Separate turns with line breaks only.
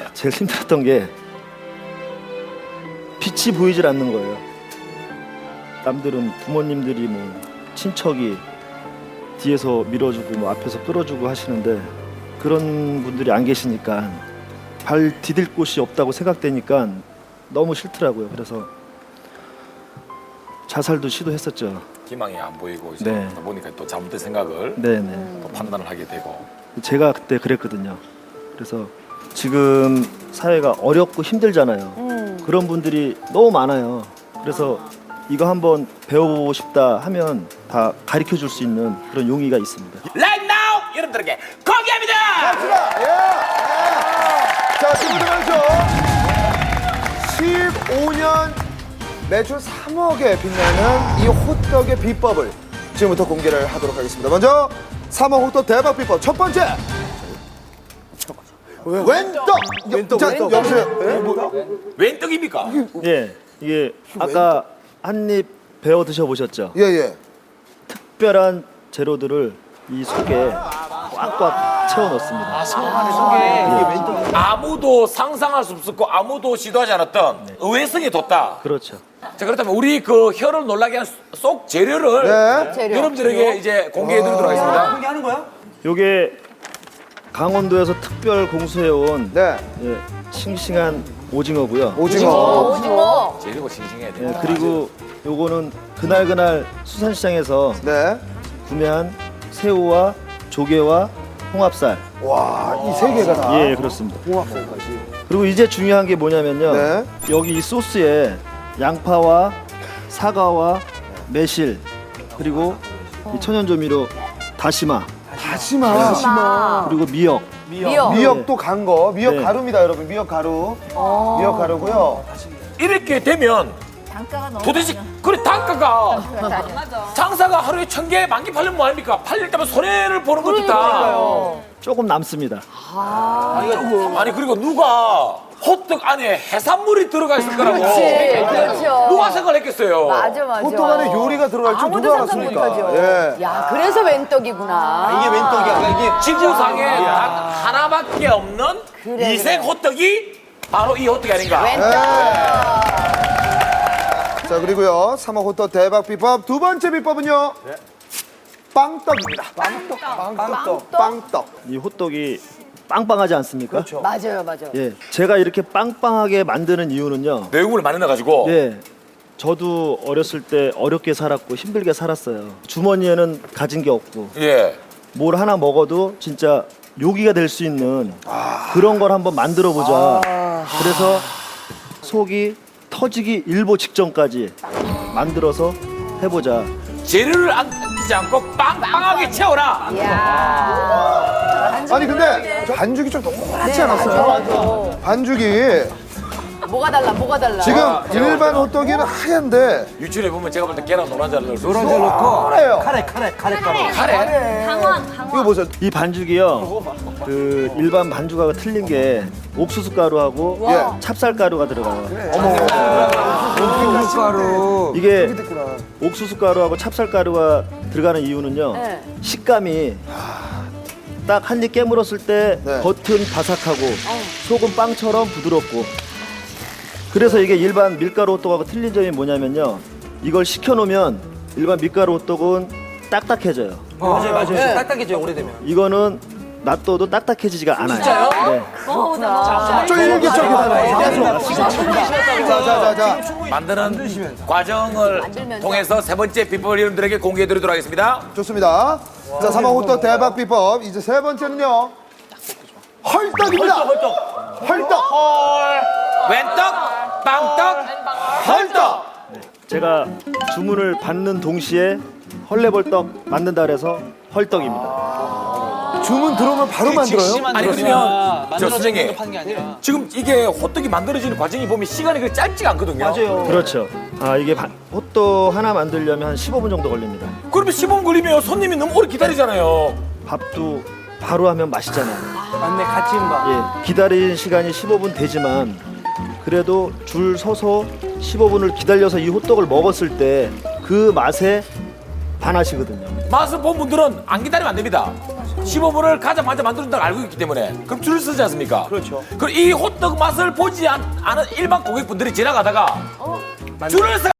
제일 힘들었던 게 빛이 보이질 않는 거예요. 남들은 부모님들이 뭐 친척이 뒤에서 밀어주고 뭐 앞에서 끌어주고 하시는데 그런 분들이 안 계시니까 발 디딜 곳이 없다고 생각되니까 너무 싫더라고요. 그래서 자살도 시도했었죠.
희망이 안 보이고 이제
네.
보니까 또 잘못된 생각을
네네.
또 판단을 하게 되고.
제가 그때 그랬거든요. 그래서 지금 사회가 어렵고 힘들잖아요. 그런 분들이 너무 많아요. 그래서 이거 한번 배워보고 싶다 하면 다 가르쳐 줄 수 있는 그런 용의가 있습니다.
Right now 여러분들에게 공개합니다.
갑시다. 예. 자, 친구들 먼저 15년 매출 3억에 빛나는 이 호떡의 비법을 지금부터 공개를 하도록 하겠습니다. 먼저 3억 호떡 대박 비법 첫 번째. 웬떡. 자, 여보세요.
웬 떡입니까?
예, 이게 아까 한 입 배워 드셔보셨죠?
예, 예.
특별한 재료들을 이 속에 꽉꽉 채워 넣습니다.
아무도 상상할 수 없었고 아무도 시도하지 않았던 의외성이 돋다.
그렇죠.
자, 그렇다면 우리 그 혀를 놀라게 한 속 재료를
네.
여러분들에게 이제 공개해드리도록 하겠습니다.
요게 강원도에서 특별 공수해온
네.
예, 싱싱한 오징어고요.
오징어.
재료가 싱싱해야 돼.
예, 그리고 요거는 그날 수산시장에서
네.
구매한 새우와 조개와 홍합살.
와, 이 세 개가 다.
예, 그렇습니다.
홍합살까지.
그리고 이제 중요한 게 뭐냐면요.
네.
여기 이 소스에 양파와 사과와 매실 그리고 이 천연조미료 다시마
다시마.
그리고 미역.
미역도 간 거. 미역
네.
가루입니다, 여러분. 미역 가루. 미역 가루고요.
이렇게 되면
단가가 너무
도대체 그래 단가가 장사가 하루에 1000개, 10,000개 팔리면 뭐합니까? 팔릴 때면 손해를 보는 것이다.
조금 남습니다.
아니 그리고 누가 호떡 안에 해산물이 들어가 있을 거라고
그렇죠.
누가 생각했겠어요?
맞아.
호떡 안에 요리가 들어갈 줄
아무도
누가
상상
알았습니까?
못하죠.
예.
야, 그래서 웬떡이구나.
이게 웬떡이야. 이게
지구상에 단 하나밖에 없는
그래,
이색 호떡이 바로 이 호떡이 아닌가?
자, 그리고요. 3억 호떡 대박 비법 두 번째 비법은요. 빵떡입니다. 빵떡.
이 호떡이 빵빵하지 않습니까?
맞아요.
예, 제가 이렇게 빵빵하게 만드는 이유는요.
내용물을 많이 넣어가지고
예, 저도 어렸을 때 어렵게 살았고 힘들게 살았어요. 주머니에는 가진 게 없고
예.
뭘 하나 먹어도 진짜 요기가 될 수 있는 그런 걸 한번 만들어 보자. 그래서 속이 터지기 일보 직전까지 만들어서 해보자.
재료를 안 끼지 않고 빵빵하게 채워라.
아니 근데 반죽이 좀 동그랗지 않았어요? 반죽이
뭐가 달라?
지금 일반 호떡이는 하얀데
유출해 보면 제가 볼 때 계란 노란자를 넣을 수 있어요.
노란자 넣고
카레요.
카레 가루.
카레.
이거 보세요.
이 반죽이요. 그 일반 반죽하고 틀린 게 옥수수 가루하고
예.
찹쌀 가루가 들어가요.
가루.
이게 옥수수 가루하고 찹쌀 가루가 들어가는 이유는요.
네.
식감이 딱 한 입 깨물었을 때
네.
겉은 바삭하고 속은 빵처럼 부드럽고. 그래서 이게 일반 밀가루 호떡하고 틀린 점이 뭐냐면요. 이걸 식혀놓으면 일반 밀가루 호떡은 딱딱해져요.
맞아요. 딱딱해져요, 오래되면.
이거는 놔둬도 딱딱해지지가 않아요.
진짜요?
네.
쫄깃쫄깃하네요. 자.
만드는 과정을 통해서 세 번째 비법을 여러분들에게 공개해드리도록 하겠습니다.
좋습니다. 자, 3억 호떡 대박 비법. 이제 세 번째는요. 헐떡입니다. 헐떡.
웬떡, 빵떡,
헐떡.
제가 주문을 받는 동시에 헐레벌떡 만든다 그래서 헐떡입니다.
주문 들어오면 바로 만들어요?
아니 그러면 저 선생님
파는 게 아니라.
지금 이게 호떡이 만들어지는 과정이 보면 시간이 그렇게 짧지가 않거든요.
그렇죠. 이게 호떡 하나 만들려면 한 15분 정도 걸립니다.
그러면 15분 걸리면 손님이 너무 오래 기다리잖아요.
밥도 바로 하면 맛있잖아요.
맞네, 같이 봐.
예, 기다리는 시간이 15분 되지만 그래도 줄 서서 15분을 기다려서 이 호떡을 먹었을 때 그 맛에 반하시거든요.
맛을 본 분들은 안 기다리면 안 됩니다. 15분을 가장 먼저 만들어준다고 알고 있기 때문에 그럼 줄을 서지 않습니까?
그렇죠.
그럼 이 호떡 맛을 보지 않은 일반 고객분들이 지나가다가 줄을 서